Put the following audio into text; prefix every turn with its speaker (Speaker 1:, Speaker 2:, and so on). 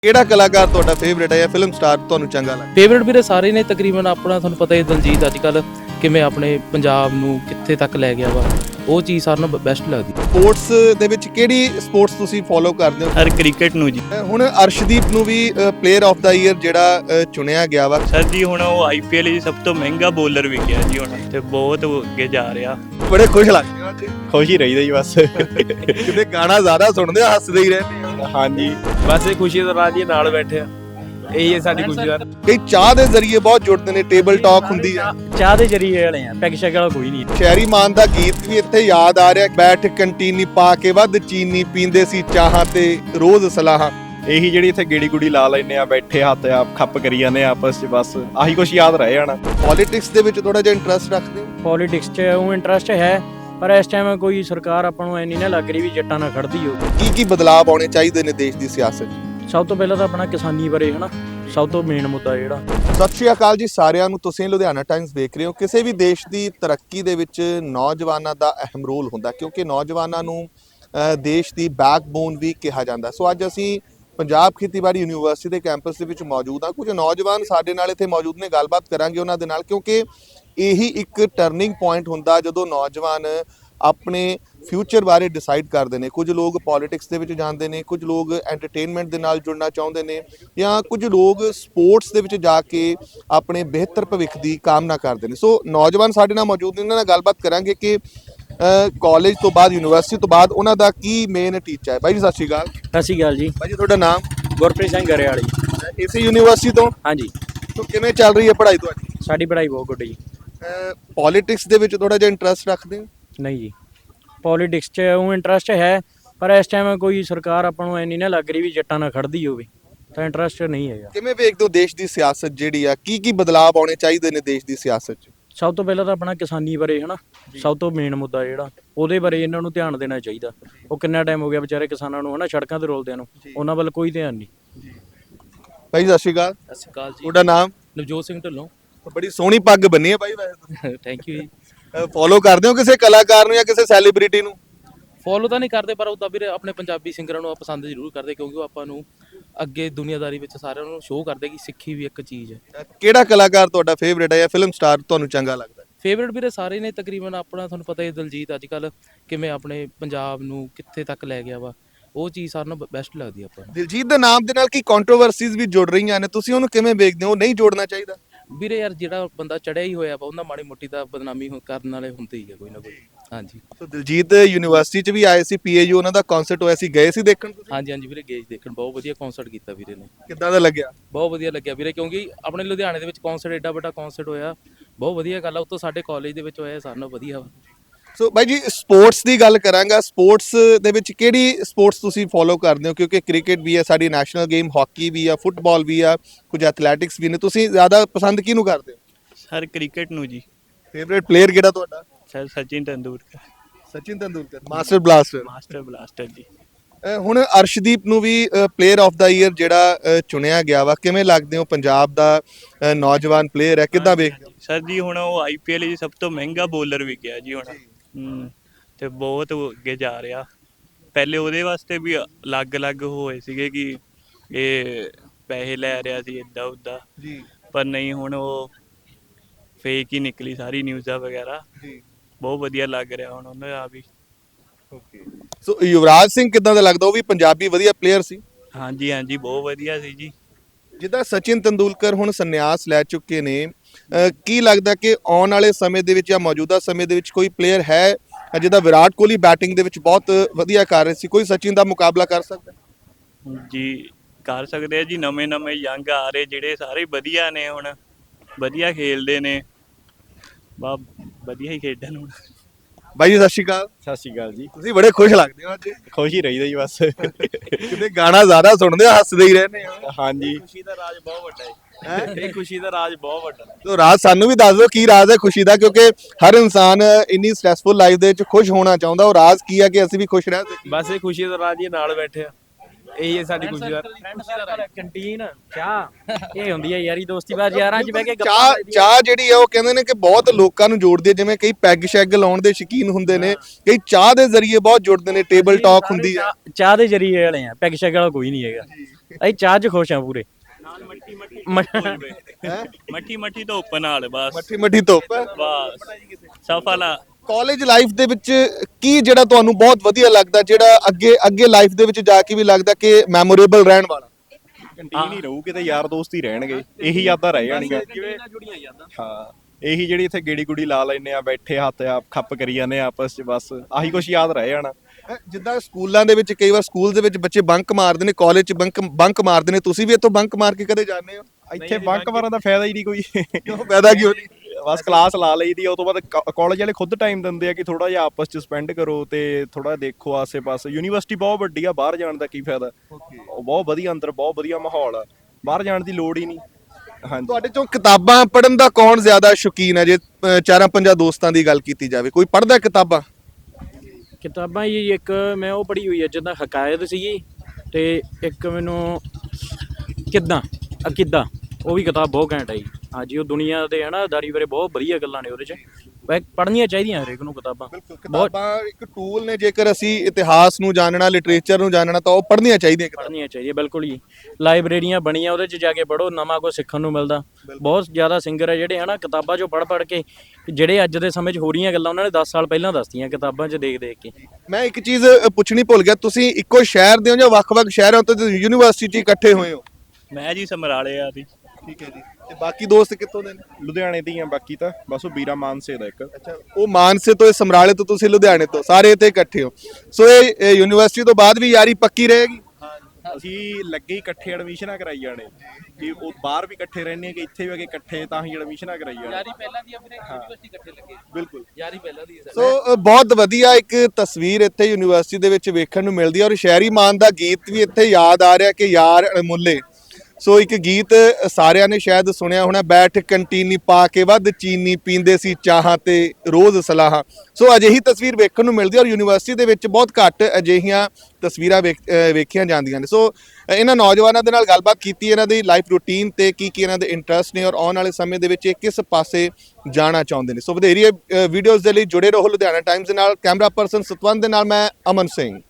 Speaker 1: ਕਿਹੜਾ ਕਲਾਕਾਰ ਤੁਹਾਡਾ ਫੇਵਰੇਟ ਹੈ ਜਾਂ ਫਿਲਮ ਸਟਾਰ ਤੁਹਾਨੂੰ ਚੰਗਾ ਲੱਗਦਾ?
Speaker 2: ਫੇਵਰੇਟ ਵੀਰੇ ਸਾਰੇ ਨੇ ਤਕਰੀਬਨ। ਆਪਣਾ ਤੁਹਾਨੂੰ ਪਤਾ ਹੀ ਦਲਜੀਤ ਅੱਜ ਕੱਲ ਕਿਵੇਂ ਆਪਣੇ ਪੰਜਾਬ ਨੂੰ ਕਿੱਥੇ ਤੱਕ ਲੈ ਗਿਆ ਵਾ, ਉਹ ਚੀਜ਼ ਸਾਰਿਆਂ ਨੂੰ ਬੈਸਟ ਲੱਗਦੀ।
Speaker 1: ਸਪੋਰਟਸ ਦੇ ਵਿੱਚ ਕਿਹੜੀ ਸਪੋਰਟਸ ਤੁਸੀਂ ਫੋਲੋ ਕਰਦੇ ਹੋ?
Speaker 3: ਹਰ ਕ੍ਰਿਕਟ ਨੂੰ ਜੀ।
Speaker 1: ਹੁਣ ਅਰਸ਼ਦੀਪ ਨੂੰ ਵੀ ਪਲੇਅਰ ਆਫ ਦਾ ਈਅਰ ਜਿਹੜਾ ਚੁਣਿਆ ਗਿਆ ਵਾ।
Speaker 3: ਸਰ ਜੀ ਹੁਣ ਉਹ ਆਈਪੀਐਲ ਦੀ ਸਭ ਤੋਂ ਮਹਿੰਗਾ ਬੋਲਰ ਵੀ ਗਿਆ ਜੀ ਹੁਣ, ਤੇ ਬਹੁਤ ਅੱਗੇ ਜਾ ਰਿਹਾ।
Speaker 1: ਬੜੇ ਖੁਸ਼ ਲੱਗਦੇ ਹੋ ਅੱਜ?
Speaker 4: ਖੁਸ਼ ਹੀ ਰਹੀਦਾ ਜੀ ਬਸ।
Speaker 1: ਕਿਤੇ ਗਾਣਾ ਜ਼ਿਆਦਾ ਸੁਣਦੇ ਆ, ਹੱਸਦੇ ਹੀ ਰਹਿੰਦੇ ਆ।
Speaker 4: ਹਾਂਜੀ ਬਸ ਇਹ ਖੁਸ਼ੀ ਦਾ ਰਾਜ ਹੀ ਨਾਲ ਬੈਠੇ ਆ, ਇਹੀ ਹੈ ਸਾਡੀ ਖੁਸ਼ੀ ਦਾ।
Speaker 1: ਕਈ ਚਾਹ ਦੇ ਜ਼ਰੀਏ ਬਹੁਤ ਜੁੜਦੇ ਨੇ, ਟੇਬਲ ਟਾਕ ਹੁੰਦੀ ਆ।
Speaker 5: ਚਾਹ ਦੇ ਜਰੀਏ ਵਾਲੇ ਆ, ਪੈਗ ਸ਼ੈਗ ਵਾਲਾ ਕੋਈ ਨਹੀਂ।
Speaker 1: ਸ਼ਹਿਰੀ ਮਾਨ ਦਾ ਗੀਤ ਵੀ ਇੱਥੇ ਯਾਦ ਆ ਰਿਹਾ। ਬੈਠ ਕੰਟੀਨੀ ਪਾ ਕੇ ਵੱਧ ਚੀਨੀ ਪੀਂਦੇ ਸੀ ਚਾਹਾਂ ਤੇ ਰੋਜ਼ ਸਲਾਹਾਂ।
Speaker 4: ਇਹੀ ਜਿਹੜੀ ਇੱਥੇ ਗੇੜੀ ਗੁੜੀ ਲਾ ਲੈਨੇ ਆ, ਬੈਠੇ ਹੱਥ ਆ ਖੱਪ ਕਰੀ ਜਾਂਦੇ ਆ ਆਪਸ 'ਚ, ਬਸ ਆਹੀ ਕੁਛ ਯਾਦ ਰਹਿ ਜਾਣਾ।
Speaker 1: ਪੋਲਿਟਿਕਸ ਦੇ ਵਿੱਚ ਥੋੜਾ ਜਿਹਾ ਇੰਟਰਸਟ ਰੱਖਦੇ ਹੋ?
Speaker 5: ਪੋਲਿਟਿਕਸ 'ਚ ਉਹ ਇੰਟਰਸਟ ਹੈ, ਪਰ ਇਸ ਟਾਈਮ ਕੋਈ ਸਰਕਾਰ ਆਪਾਂ ਨੂੰ ਐਨੀ ਨਾ ਲੱਗ ਰਹੀ ਵੀ ਜੱਟਾਂ ਨਾਲ ਖੜਦੀ ਹੋ।
Speaker 1: ਕੀ ਬਦਲਾਅ ਆਉਣੇ ਚਾਹੀਦੇ ਨੇ ਦੇਸ਼ ਦੀ ਸਿਆਸਤ 'ਚ?
Speaker 5: ਸਭ ਤੋਂ ਪਹਿਲਾਂ ਤਾਂ ਆਪਣਾ ਕਿਸਾਨੀ ਬਾਰੇ ਹਨਾ, ਸਭ ਤੋਂ ਮੇਨ ਮੁੱਦਾ ਜਿਹੜਾ।
Speaker 1: ਸਤਿ ਸ਼੍ਰੀ ਅਕਾਲ ਜੀ ਸਾਰਿਆਂ ਨੂੰ। ਤੁਸੀਂ ਲੁਧਿਆਣਾ ਟਾਈਮਸ ਵੇਖ ਰਹੇ ਹੋ। ਕਿਸੇ ਵੀ ਦੇਸ਼ ਦੀ ਤਰੱਕੀ ਦੇ ਵਿੱਚ ਨੌਜਵਾਨਾਂ ਦਾ ਅਹਿਮ ਰੋਲ ਹੁੰਦਾ, ਕਿਉਂਕਿ ਨੌਜਵਾਨਾਂ ਨੂੰ ਦੇਸ਼ ਦੀ ਬੈਕਬੋਨ ਵੀ ਕਿਹਾ ਜਾਂਦਾ। ਸੋ ਅੱਜ ਅਸੀਂ ਪੰਜਾਬ ਖੇਤੀਬਾੜੀ ਯੂਨੀਵਰਸਿਟੀ ਦੇ ਕੈਂਪਸ ਦੇ ਵਿੱਚ ਮੌਜੂਦ ਹਾਂ। ਕੁਝ ਨੌਜਵਾਨ ਸਾਡੇ ਨਾਲ ਇੱਥੇ ਮੌਜੂਦ ਨੇ, ਗੱਲਬਾਤ ਕਰਾਂਗੇ ਉਹਨਾਂ ਦੇ ਨਾਲ, ਕਿਉਂਕਿ ਇਹੀ ਇੱਕ ਟਰਨਿੰਗ ਪੁਆਇੰਟ ਹੁੰਦਾ ਜਦੋਂ ਨੌਜਵਾਨ ਆਪਣੇ ਫਿਊਚਰ ਬਾਰੇ ਡਿਸਾਈਡ ਕਰਦੇ ਨੇ। ਕੁਝ ਲੋਕ ਪੋਲਿਟਿਕਸ ਦੇ ਵਿੱਚ ਜਾਂਦੇ ਨੇ, ਕੁਝ ਲੋਕ ਐਂਟਰਟੇਨਮੈਂਟ ਦੇ ਨਾਲ ਜੁੜਨਾ ਚਾਹੁੰਦੇ ਨੇ, ਜਾਂ ਕੁਝ ਲੋਕ ਸਪੋਰਟਸ ਦੇ ਵਿੱਚ ਜਾ ਕੇ ਆਪਣੇ ਬਿਹਤਰ ਭਵਿੱਖ ਦੀ ਕਾਮਨਾ ਕਰਦੇ ਨੇ। ਸੋ ਨੌਜਵਾਨ ਸਾਡੇ ਨਾਲ ਮੌਜੂਦ ਨੇ, ਇਹਨਾਂ ਨਾਲ ਗੱਲਬਾਤ ਕਰਾਂਗੇ ਕਿ ਕਾਲਜ ਤੋਂ ਬਾਅਦ, ਯੂਨੀਵਰਸਿਟੀ ਤੋਂ ਬਾਅਦ ਉਹਨਾਂ ਦਾ ਕੀ ਮੇਨ ਟੀਚਾ ਹੈ। ਬਾਈ ਜੀ ਸਤਿ ਸ਼੍ਰੀ ਅਕਾਲ।
Speaker 5: ਸਤਿ ਸ਼੍ਰੀ ਅਕਾਲ ਜੀ।
Speaker 1: ਬਾਈ ਜੀ ਤੁਹਾਡਾ ਨਾਮ?
Speaker 5: ਗੁਰਪ੍ਰੀਤ ਸਿੰਘ ਗਰੇਵਾਲੀ।
Speaker 1: ਇਸੇ ਯੂਨੀਵਰਸਿਟੀ ਤੋਂ?
Speaker 5: ਹਾਂਜੀ।
Speaker 1: ਸੋ ਕਿਵੇਂ ਚੱਲ ਰਹੀ ਹੈ ਪੜ੍ਹਾਈ ਤੁਹਾਡੀ?
Speaker 5: ਸਾਡੀ ਪੜ੍ਹਾਈ ਬਹੁਤ ਗੁੱਡ ਜੀ।
Speaker 1: ਪੋਲਿਟਿਕਸ ਦੇ ਵਿੱਚ ਥੋੜਾ ਜਿਹਾ ਇੰਟਰਸਟ ਰੱਖਦੇ ਹੋ?
Speaker 5: ਨਹੀਂ ਜੀ, ਪੋਲਿਟਿਕਸ 'ਚ ਉਹ ਇੰਟਰਸਟ ਹੈ, ਪਰ ਇਸ ਟਾਈਮ ਕੋਈ ਸਰਕਾਰ ਆਪਾਂ ਨੂੰ ਐਨੀ ਨਾ ਲੱਗ ਰਹੀ ਵੀ ਜੱਟਾਂ ਨਾਲ ਖੜਦੀ ਹੋਵੇ, ਤਾਂ ਇੰਟਰਸਟ ਨਹੀਂ ਹੈਗਾ।
Speaker 1: ਕਿਵੇਂ ਵੇਖਦੇ ਹੋ ਦੇਸ਼ ਦੀ ਸਿਆਸਤ ਜਿਹੜੀ ਆ? ਕੀ ਬਦਲਾਅ ਆਉਣੇ ਚਾਹੀਦੇ ਨੇ ਦੇਸ਼ ਦੀ ਸਿਆਸਤ 'ਚ?
Speaker 5: ਸਭ ਤੋਂ ਪਹਿਲਾਂ ਤਾਂ ਆਪਣਾ ਕਿਸਾਨੀ ਬਾਰੇ ਹਨਾ, ਸਭ ਤੋਂ ਮੇਨ ਮੁੱਦਾ ਜਿਹੜਾ, ਉਹਦੇ ਬਾਰੇ ਇਹਨਾਂ ਨੂੰ ਧਿਆਨ ਦੇਣਾ ਚਾਹੀਦਾ। ਉਹ ਕਿੰਨਾ ਟਾਈਮ ਹੋ ਗਿਆ ਵਿਚਾਰੇ ਕਿਸਾਨਾਂ ਨੂੰ ਹਨਾ ਸੜਕਾਂ ਤੇ ਰੋਲਦਿਆਂ ਨੂੰ, ਉਹਨਾਂ ਵੱਲ ਕੋਈ ਧਿਆਨ ਨਹੀਂ।
Speaker 1: ਬਾਈ ਸਤਿ ਸ਼੍ਰੀ ਅਕਾਲ।
Speaker 2: ਸਤਿ ਸ਼੍ਰੀ ਅਕਾਲ ਜੀ।
Speaker 1: ਤੁਹਾਡਾ ਨਾਮ?
Speaker 2: ਨਵਜੋਤ ਸਿੰਘ ਢਿੱਲੋਂ।
Speaker 1: ਬੜੀ ਸੋਹਣੀ ਪੱਗ ਬੰਨੀ ਹੈ ਬਾਈ। ਵੈਸੇ
Speaker 2: ਥੈਂਕ ਯੂ ਜੀ।
Speaker 1: ਫੋਲੋ ਕਰਦੇ ਹੋ ਕਿਸੇ ਕਲਾਕਾਰ ਨੂੰ ਜਾਂ ਕਿਸੇ ਸੈਲੀਬ੍ਰਿਟੀ ਨੂੰ?
Speaker 2: ਫੋਲੋ ਤਾਂ ਨਹੀਂ ਕਰਦੇ, ਪਰ ਉਹਦਾ ਵੀਰੇ ਆਪਣੇ ਪੰਜਾਬੀ ਸਿੰਗਰਾਂ ਨੂੰ ਪਸੰਦ ਜ਼ਰੂਰ ਕਰਦੇ, ਕਿਉਂਕਿ ਉਹ ਆਪਾਂ ਨੂੰ ਅੱਗੇ ਦੁਨੀਆਦਾਰੀ ਵਿੱਚ ਸਾਰਿਆਂ ਨੂੰ ਸ਼ੋਅ ਕਰਦੇ ਕਿ ਸਿੱਖੀ ਵੀ ਇੱਕ ਚੀਜ਼ ਹੈ।
Speaker 1: ਕਿਹੜਾ ਕਲਾਕਾਰ ਤੁਹਾਡਾ ਫੇਵਰੇਟ ਹੈ ਜਾਂ ਫਿਲਮ ਸਟਾਰ ਤੁਹਾਨੂੰ ਚੰਗਾ ਲੱਗਦਾ?
Speaker 2: ਫੇਵਰੇਟ ਵੀਰੇ ਸਾਰੇ ਨੇ ਤਕਰੀਬਨ। ਆਪਣਾ ਤੁਹਾਨੂੰ ਪਤਾ ਹੀ ਦਲਜੀਤ ਅੱਜ ਕੱਲ ਕਿਵੇਂ ਆਪਣੇ ਪੰਜਾਬ ਨੂੰ ਕਿੱਥੇ ਤੱਕ ਲੈ ਗਿਆ ਵਾ, ਉਹ ਚੀਜ਼ ਸਾਰਿਆਂ ਨੂੰ ਬੈਸਟ ਲੱਗਦੀ ਆਪਾਂ ਨੂੰ।
Speaker 1: ਦਿਲਜੀਤ ਦੇ ਨਾਮ ਦੇ ਨਾਲ ਕੀ ਕੰਟਰੋਵਰਸੀਜ਼ ਵੀ ਜੁੜ ਰਹੀਆਂ ਨੇ, ਤੁਸੀਂ ਉਹਨੂੰ ਕਿਵੇਂ ਵੇਖਦੇ ਹੋ? ਨਹੀਂ ਜੋੜਨਾ ਚਾਹੀਦਾ?
Speaker 2: ਵੀਰੇ ਯਾਰ ਜਿਹੜਾ ਬੰਦਾ ਚੜਿਆ ਹੀ ਹੋਇਆ ਵਾ, ਉਹਨਾਂ ਮਾੜੀ ਮੋਟੀ ਤਾਂ ਬਦਨਾਮੀ ਕਰਨ ਵਾਲੇ ਹੁੰਦੇ ਹੀ ਆ ਕੋਈ ਨਾ ਕੋਈ। ਹਾਂਜੀ।
Speaker 1: ਸੋ ਦਿਲਜੀਤ ਯੂਨੀਵਰਸਿਟੀ 'ਚ ਵੀ ਆਏ ਸੀ, ਪੀਏਯੂ ਉਹਨਾਂ ਦਾ ਕਨਸਰਟ ਹੋਇਆ ਸੀ, ਗਏ ਸੀ ਦੇਖਣ ਤੁਸੀਂ?
Speaker 2: ਹਾਂਜੀ ਹਾਂਜੀ ਵੀਰੇ, ਗੇਜ ਦੇਖਣ ਬਹੁਤ ਵਧੀਆ ਕਨਸਰਟ ਕੀਤਾ ਵੀਰੇ ਨੇ।
Speaker 1: ਕਿੱਦਾਂ ਦਾ ਲੱਗਿਆ?
Speaker 2: ਬਹੁਤ ਵਧੀਆ ਲੱਗਿਆ ਵੀਰੇ, ਕਿਉਂਕਿ ਆਪਣੇ ਲੁਧਿਆਣੇ ਦੇ ਵਿੱਚ ਕਨਸਰਟ ਏਡਾ ਵੱਡਾ ਕਨਸਰਟ ਹੋਇਆ, ਬਹੁਤ ਵਧੀਆ ਗੱਲ ਆ। ਉੱਤੋਂ ਸਾਡੇ ਕਾਲਜ ਦੇ ਵਿੱਚ ਹੋਇਆ, ਸਾਰਿਆਂ ਨਾਲੋਂ ਵਧੀਆ ਵਾ।
Speaker 1: ਸੋ ਬਾਈ ਜੀ ਸਪੋਰਟਸ ਦੀ ਗੱਲ ਕਰਾਂਗਾ। ਸਪੋਰਟਸ ਦੇ ਵਿੱਚ ਕਿਹੜੀ ਸਪੋਰਟਸ ਤੁਸੀਂ ਫੋਲੋ ਕਰਦੇ ਹੋ? ਕਿਉਂਕਿ ਕ੍ਰਿਕਟ ਵੀ ਹੈ ਸਾਡੀ ਨੈਸ਼ਨਲ ਗੇਮ, ਹਾਕੀ ਵੀ ਆ, ਫੁੱਟਬਾਲ ਵੀ ਆ, ਕੁਝ ਐਥਲੈਟਿਕਸ ਵੀ ਨੇ। ਤੁਸੀਂ ਜ਼ਿਆਦਾ ਪਸੰਦ ਕਿਹਨੂੰ ਕਰਦੇ ਹੋ?
Speaker 3: ਹਰ ਕ੍ਰਿਕਟ ਨੂੰ ਜੀ।
Speaker 1: ਫੇਵਰੇਟ ਪਲੇਅਰ ਕਿਹੜਾ ਤੁਹਾਡਾ?
Speaker 3: Sir Sachin Tendulkar.
Speaker 1: Sachin Tendulkar, master blaster.
Speaker 3: Master blaster ਜੀ।
Speaker 1: ਹੁਣ ਅਰਸ਼ਦੀਪ ਨੂੰ ਵੀ ਪਲੇਅਰ ਆਫ ਦਾ ਈਅਰ ਜਿਹੜਾ ਚੁਣਿਆ ਗਿਆ ਵਾ। ਕਿਵੇਂ ਲੱਗਦੇ ਹੋ? ਪੰਜਾਬ ਦਾ ਨੌਜਵਾਨ ਪਲੇਅਰ ਹੈ, ਕਿੱਦਾਂ ਵੇਖਦੇ ਹੋ?
Speaker 3: ਸਰ ਜੀ ਹੁਣ ਉਹ ਆਈਪੀਐਲ ਦੀ ਸਭ ਤੋਂ ਮਹਿੰਗਾ ਬੋਲਰ ਵੀ ਗਿਆ ਜੀ ਹੁਣ, ਤੇ ਬਹੁਤ ਅੱਗੇ ਜਾ ਰਿਹਾ। ਪਹਿਲੇ ਉਹਦੇ ਵਾਸਤੇ ਵੀ ਅਲੱਗ-ਅਲੱਗ ਹੋਏ ਸੀਗੇ ਕਿ ਇਹ ਪੈਸੇ ਲੈ ਰਿਹਾ ਸੀ ਇੱਦਾਂ ਉੱਦਾਂ
Speaker 1: ਜੀ,
Speaker 3: ਪਰ ਨਹੀਂ, ਹੁਣ ਉਹ ਫੇਕ ਹੀ ਨਿਕਲੀ ਸਾਰੀ ਨਿਊਜ਼ਾਂ ਵਗੈਰਾ।
Speaker 1: ਜੀ,
Speaker 3: ਬਹੁਤ ਵਧੀਆ ਲੱਗ ਰਿਹਾ ਹੁਣ ਉਹਨਾਂ ਦਾ ਵੀ।
Speaker 1: ਓਕੇ। ਸੋ ਯੁਵਰਾਜ ਸਿੰਘ ਕਿੱਦਾਂ ਦਾ ਲੱਗਦਾ? ਉਹ ਵੀ ਪੰਜਾਬੀ ਵਧੀਆ ਪਲੇਅਰ ਸੀ।
Speaker 3: ਹਾਂਜੀ ਹਾਂਜੀ, ਬਹੁਤ ਵਧੀਆ ਸੀ ਜੀ।
Speaker 1: ਜਿੱਦਾਂ ਸਚਿਨ ਤੰਦੂਲਕਰ ਹੁਣ ਸੰਨਿਆਸ ਲੈ ਚੁੱਕੇ ਨੇ, ਕੀ ਲੱਗਦਾ ਕਿ ਆਉਣ ਵਾਲੇ ਸਮੇਂ ਦੇ ਵਿੱਚ ਜਾਂ ਮੌਜੂਦਾ ਸਮੇਂ ਦੇ ਵਿੱਚ ਕੋਈ ਪਲੇਅਰ ਹੈ ਜਿਹਦਾ? ਵਿਰਾਟ ਕੋਹਲੀ ਬੈਟਿੰਗ ਦੇ ਵਿੱਚ ਬਹੁਤ ਵਧੀਆ ਕਰ ਰਹੇ ਸੀ, ਕੋਈ ਸਚਿਨ ਦਾ ਮੁਕਾਬਲਾ ਕਰ ਸਕਦਾ
Speaker 3: ਜੀ? ਕਰ ਸਕਦੇ ਆ ਜੀ। ਨਵੇਂ ਯੰਗ ਆ ਰਹੇ ਜਿਹੜੇ ਸਾਰੇ ਵਧੀਆ ਨੇ, ਹੁਣ ਵਧੀਆ ਖੇਲਦੇ ਨੇ, ਬਾ ਵਧੀਆ ਹੀ ਖੇਡਣ ਹੁਣ।
Speaker 1: ਬਾਈ ਜੀ ਸਤਿ ਸ਼੍ਰੀ ਅਕਾਲ।
Speaker 4: ਸਤਿ ਸ਼੍ਰੀ ਅਕਾਲ ਜੀ।
Speaker 1: ਤੁਸੀਂ ਬੜੇ ਖੁਸ਼ ਲੱਗਦੇ ਹੋ ਅੱਜ?
Speaker 4: ਖੁਸ਼ ਹੀ ਰਹੀਦਾ ਜੀ ਬਸ।
Speaker 1: ਕਿਤੇ ਗਾਣਾ ਜ਼ਿਆਦਾ ਸੁਣਦੇ ਆ, ਹੱਸਦੇ ਹੀ ਰਹਿੰਦੇ ਆ।
Speaker 4: ਹਾਂਜੀ
Speaker 5: ਖੁਸ਼ੀ ਦਾ ਰਾਜ ਬਹੁਤ ਵੱਡਾ ਹੈ। ਇਹ ਖੁਸ਼ੀ ਦਾ ਰਾਜ ਬਹੁਤ ਵੱਡਾ।
Speaker 1: ਤੋ ਰਾਜ ਸਾਨੂੰ ਵੀ ਦੱਸ ਦਿਓ ਕੀ ਰਾਜ ਹੈ ਖੁਸ਼ੀ ਦਾ, ਕਿਉਂਕਿ ਹਰ ਇਨਸਾਨ ਇੰਨੀ ਸਟ੍ਰੈਸਫੁਲ ਲਾਈਫ ਦੇ ਵਿੱਚ ਖੁਸ਼ ਹੋਣਾ ਚਾਹੁੰਦਾ। ਉਹ ਰਾਜ ਕੀ ਹੈ ਕਿ ਅਸੀਂ ਵੀ ਖੁਸ਼ ਰਹਿ ਸਕੀਏ?
Speaker 4: ਬਸ ਇਹ ਖੁਸ਼ੀ ਦਾ ਰਾਜ ਹੀ ਨਾਲ ਬੈਠੇ ਆ, ਇਹੀ ਹੈ ਸਾਡੀ ਖੁਸ਼ੀ ਦਾ।
Speaker 5: ਕੰਟੀਨ ਚਾਹ ਇਹ ਹੁੰਦੀ ਹੈ ਯਾਰੀ ਦੋਸਤੀ, ਬਾਅਦ ਯਾਰਾਂ 'ਚ ਬਹਿ ਕੇ
Speaker 1: ਚਾਹ ਜਿਹੜੀ ਆ ਉਹ ਕਹਿੰਦੇ ਨੇ ਕਿ ਬਹੁਤ ਲੋਕਾਂ ਨੂੰ ਜੋੜਦੀ ਹੈ। ਜਿਵੇਂ ਕਈ ਪੈਗ ਸ਼ੈਗ ਲਾਉਣ ਦੇ ਸ਼ੌਕੀਨ ਹੁੰਦੇ ਨੇ, ਕਈ ਚਾਹ ਦੇ ਜ਼ਰੀਏ ਬਹੁਤ ਜੁੜਦੇ ਨੇ, ਟੇਬਲ ਟਾਕ ਹੁੰਦੀ ਹੈ।
Speaker 5: ਚਾਹ ਦੇ ਜਰੀਏ ਵਾਲੇ ਆ, ਪੈਗ ਸ਼ੈਗ ਵਾਲਾ ਕੋਈ ਨਹੀਂ ਹੈਗਾ। ਅਸੀਂ ਚਾਹ 'ਚ ਖੁਸ਼ ਆ ਪੂਰੇ।
Speaker 3: ਨਾਲ ਮੱਠੀ ਮੱਠੀ
Speaker 1: ਹੈ
Speaker 3: ਮੱਠੀ ਮੱਠੀ ਧੁੱਪ ਨਾਲ ਬਸ
Speaker 1: ਮੱਠੀ ਮੱਠੀ ਧੁੱਪ ਹੈ।
Speaker 3: ਬਸ ਸਫਲਾ
Speaker 1: ਕਾਲਜ ਲਾਈਫ ਦੇ ਵਿੱਚ ਕੀ ਜਿਹੜਾ ਤੁਹਾਨੂੰ ਬਹੁਤ ਵਧੀਆ ਲੱਗਦਾ, ਜਿਹੜਾ ਅੱਗੇ ਅੱਗੇ ਲਾਈਫ ਦੇ ਵਿੱਚ ਜਾ ਕੇ ਵੀ ਲੱਗਦਾ ਕਿ ਮੈਮੋਰੇਬਲ ਰਹਿਣ ਵਾਲਾ?
Speaker 4: ਕੰਟੀਨ ਹੀ ਰਹੂ, ਕਿਤੇ ਯਾਰ ਦੋਸਤ ਹੀ ਰਹਿਣਗੇ, ਇਹੀ ਯਾਦਾਂ ਰਹਿ ਜਾਣਗੀਆਂ। ਹਾਂ, ਇਹੀ ਜਿਹੜੀ ਇੱਥੇ ਗੇੜੀ ਗੁੜੀ ਲਾ ਲੈਨੇ ਆ, ਬੈਠੇ ਹੱਥ ਆਪ ਖੱਪ ਕਰੀ ਜਾਂਦੇ ਆ ਆਪਸ 'ਚ, ਬਸ ਆਹੀ ਕੁਛ ਯਾਦ ਰਹਿ ਜਾਣਾ।
Speaker 1: ਜਿੱਦਾਂ ਸਕੂਲਾਂ ਦੇ ਵਿੱਚ ਕਈ ਵਾਰ ਸਕੂਲ ਦੇ ਵਿੱਚ ਬੱਚੇ ਬੰਕ ਮਾਰਦੇ ਨੇ, ਕਾਲਜ 'ਚ ਬੰਕ ਮਾਰਦੇ ਨੇ, ਤੁਸੀਂ ਵੀ ਇੱਥੋਂ ਬੰਕ ਮਾਰ ਕੇ ਕਦੇ ਜਾਂਦੇ ਹੋ?
Speaker 4: ਇੱਥੇ ਬੰਕ ਮਾਰਨ ਦਾ ਫਾਇਦਾ ਹੀ ਨਹੀਂ ਕੋਈ।
Speaker 1: ਕਿਉਂ ਫਾਇਦਾ ਕਿਉਂ ਨਹੀਂ?
Speaker 4: ਬਸ ਕਲਾਸ ਲਾ ਲਈਦੀ ਆ, ਉਹ ਤੋਂ ਬਾਅਦ ਕਾਲਜ ਵਾਲੇ ਖੁਦ ਟਾਈਮ ਦਿੰਦੇ ਆ ਕਿ ਥੋੜਾ ਜਿਹਾ ਆਪਸ 'ਚ ਸਪੈਂਡ ਕਰੋ ਤੇ ਥੋੜਾ ਦੇਖੋ ਆਸੇ-ਪਾਸੇ। ਯੂਨੀਵਰਸਿਟੀ ਬਹੁਤ ਵੱਡੀ ਆ, ਬਾਹਰ ਜਾਣ ਦਾ ਕੀ ਫਾਇਦਾ? ਉਹ ਬਹੁਤ ਵਧੀਆ, ਅੰਦਰ ਬਹੁਤ ਵਧੀਆ ਮਾਹੌਲ ਆ, ਬਾਹਰ ਜਾਣ ਦੀ ਲੋੜ ਹੀ ਨਹੀਂ। ਹਾਂਜੀ,
Speaker 1: ਤੁਹਾਡੇ ਚੋਂ ਕਿਤਾਬਾਂ ਪੜ੍ਹਨ ਦਾ ਕੌਣ ਜ਼ਿਆਦਾ ਸ਼ੌਕੀਨ ਹੈ? ਜੇ ਚਾਰਾਂ ਪੰਜਾਂ ਦੋਸਤਾਂ ਦੀ ਗੱਲ ਕੀਤੀ ਜਾਵੇ, ਕੋਈ ਪੜ੍ਹਦਾ ਕਿਤਾਬਾਂ?
Speaker 5: ਕਿਤਾਬਾਂ ਜੀ ਇੱਕ ਮੈਂ ਉਹ ਪੜ੍ਹੀ ਹੋਈ ਹੈ ਜਿੱਦਾਂ ਹਕਾਇਤ ਸੀਗੀ, ਤੇ ਇੱਕ ਮੈਨੂੰ ਕਿੱਦਾਂ ਅਕੀਦਾ, ਉਹ ਵੀ ਕਿਤਾਬ ਬਹੁਤ ਘੈਂਟ ਹੈ ਜੀ। ਹਾਂਜੀ, ਉਹ ਦੁਨੀਆ ਦੇ ਦਾਰੀ ਬਾਰੇ ਬਹੁਤ ਵਧੀਆ ਗੱਲਾਂ ਨੇ ਉਹਦੇ 'ਚ, ਪੜ੍ਹਨੀਆਂ ਚਾਹੀਦੀਆਂ ਹਰੇਕ ਨੂੰ ਕਿਤਾਬਾਂ।
Speaker 1: ਕਿਤਾਬਾਂ ਇੱਕ ਟੂਲ ਨੇ, ਜੇਕਰ ਅਸੀਂ ਇਤਿਹਾਸ ਨੂੰ ਜਾਣਨਾ, ਲਿਟਰੇਚਰ ਨੂੰ ਜਾਣਨਾ, ਤਾਂ ਉਹ ਪੜ੍ਹਨੀਆਂ ਚਾਹੀਦੀਆਂ ਕਿਤਾਬਾਂ।
Speaker 5: ਪੜ੍ਹਨੀਆਂ ਚਾਹੀਦੀਆਂ ਬਿਲਕੁਲ ਜੀ। ਲਾਇਬ੍ਰੇਰੀਆਂ ਬਣੀਆਂ, ਉਹਦੇ 'ਚ ਜਾ ਕੇ ਪੜ੍ਹੋ, ਨਵਾਂ ਕੁਝ ਸਿੱਖਣ ਨੂੰ ਮਿਲਦਾ। ਬਹੁਤ ਜ਼ਿਆਦਾ ਸਿੰਗਰ ਹੈ ਜਿਹੜੇ ਕਿਤਾਬਾਂ 'ਚੋਂ ਪੜ੍ਹ ਕੇ, ਜਿਹੜੇ ਅੱਜ ਦੇ ਸਮੇਂ 'ਚ ਹੋ ਰਹੀਆਂ ਗੱਲਾਂ ਉਹਨਾਂ ਨੇ 10 ਸਾਲ ਪਹਿਲਾਂ ਦੱਸਤੀਆਂ ਕਿਤਾਬਾਂ 'ਚ ਦੇਖ ਕੇ।
Speaker 1: ਮੈਂ ਇੱਕ ਚੀਜ਼ ਪੁੱਛਣੀ ਭੁੱਲ ਗਿਆ, ਤੁਸੀਂ ਇੱਕੋ ਸ਼ਹਿਰ ਦੇ ਹੋ ਜਾਂ ਵੱਖ-ਵੱਖ ਸ਼ਹਿਰਾਂ ਤੋਂ ਯੂਨੀਵਰਸਿਟੀ 'ਚ ਇਕੱਠੇ ਹੋਏ ਹੋ?
Speaker 3: ਮੈਂ ਜੀ ਸਮਰਾਲੇ ਆ ਦੀ।
Speaker 1: ਠੀਕ ਹੈ ਜੀ। ਤੇ ਬਾਕੀ ਦੋਸਤ ਕਿੱਥੋਂ ਦੇ ਨੇ?
Speaker 4: ਲੁਧਿਆਣੇ ਦੀ ਆ ਬਾਕੀ ਤਾਂ, ਬਸ ਉਹ ਵੀਰਾ ਮਾਨਸੇ ਦਾ ਇੱਕ।
Speaker 1: ਅੱਛਾ, ਉਹ ਮਾਨਸੇ ਤੋਂ, ਇਹ ਸਮਰਾਲੇ ਤੋਂ, ਤੁਸੀਂ ਲੁਧਿਆਣੇ ਤੋਂ, ਸਾਰੇ ਇੱਥੇ ਇਕੱਠੇ ਹੋ। ਸੋ ਇਹ ਯੂਨੀਵਰਸਿਟੀ ਤੋਂ ਬਾਅਦ ਵੀ ਯਾਰੀ ਪੱਕੀ ਰਹੇਗੀ?
Speaker 4: ਅਸੀਂ ਲੱਗੇ ਇਕੱਠੇ ਐਡਮਿਸ਼ਨਾਂ ਕਰਾਈ ਜਾਣੇ, ਕਿ ਉਹ ਬਾਹਰ ਵੀ ਇਕੱਠੇ ਰਹਿੰਦੇ ਆ ਕਿ ਇੱਥੇ ਵੀ ਅਗੇ ਇਕੱਠੇ ਤਾਂ ਹੀ ਐਡਮਿਸ਼ਨਾਂ ਕਰਾਈ ਜਾਣੇ।
Speaker 2: ਯਾਰੀ ਪਹਿਲਾਂ ਦੀ ਆ ਵੀਰੇ, ਯੂਨੀਵਰਸਿਟੀ ਇਕੱਠੇ ਲੱਗੇ।
Speaker 1: ਬਿਲਕੁਲ,
Speaker 2: ਯਾਰੀ ਪਹਿਲਾਂ ਦੀ ਹੈ।
Speaker 1: ਸੋ ਬਹੁਤ ਵਧੀਆ ਇੱਕ ਤਸਵੀਰ ਇੱਥੇ ਯੂਨੀਵਰਸਿਟੀ ਦੇ ਵਿੱਚ ਵੇਖਣ ਨੂੰ ਮਿਲਦੀ ਹੈ। ਔਰ ਸ਼ਹਿਰੀ ਮਾਨ ਦਾ ਗੀਤ ਵੀ ਇੱਥੇ ਯਾਦ ਆ ਰਿਹਾ ਕਿ ਯਾਰ ਅਣਮੁੱਲੇ। ਸੋ ਇੱਕ ਗੀਤ ਸਾਰਿਆਂ ਨੇ ਸ਼ਾਇਦ ਸੁਣਿਆ ਹੋਣਾ, ਬੈਠ ਕੰਟੀਨੀ ਪਾ ਕੇ ਵੱਧ ਚੀਨੀ ਪੀਂਦੇ ਸੀ ਚਾਹਾਂ ਤੇ ਰੋਜ਼ ਸਲਾਹਾਂ। ਸੋ ਅਜਿਹੀ ਤਸਵੀਰ ਵੇਖਣ ਨੂੰ ਮਿਲਦੀ ਔਰ ਯੂਨੀਵਰਸਿਟੀ ਦੇ ਵਿੱਚ ਬਹੁਤ ਘੱਟ ਅਜਿਹੀਆਂ ਤਸਵੀਰਾਂ ਵੇਖੀਆਂ ਜਾਂਦੀਆਂ ਨੇ। ਸੋ ਇਹਨਾਂ ਨੌਜਵਾਨਾਂ ਦੇ ਨਾਲ ਗੱਲਬਾਤ ਕੀਤੀ, ਇਹਨਾਂ ਦੀ ਲਾਈਫ ਰੂਟੀਨ ਤੇ ਕੀ ਇਹਨਾਂ ਦੇ ਇੰਟਰਸਟ ਨੇ ਔਰ ਆਉਣ ਵਾਲੇ ਸਮੇਂ ਦੇ ਵਿੱਚ ਇਹ ਕਿਸ ਪਾਸੇ ਜਾਣਾ ਚਾਹੁੰਦੇ ਨੇ। ਸੋ ਵਧੇਰੀ ਵੀਡੀਓਜ਼ ਦੇ ਲਈ ਜੁੜੇ ਰਹੋ ਲੁਧਿਆਣਾ ਟਾਈਮਜ਼ ਦੇ ਨਾਲ। ਕੈਮਰਾ ਪਰਸਨ ਸਤਵੰਤ ਦੇ ਨਾਲ ਮੈਂ ਅਮਨ ਸਿੰਘ।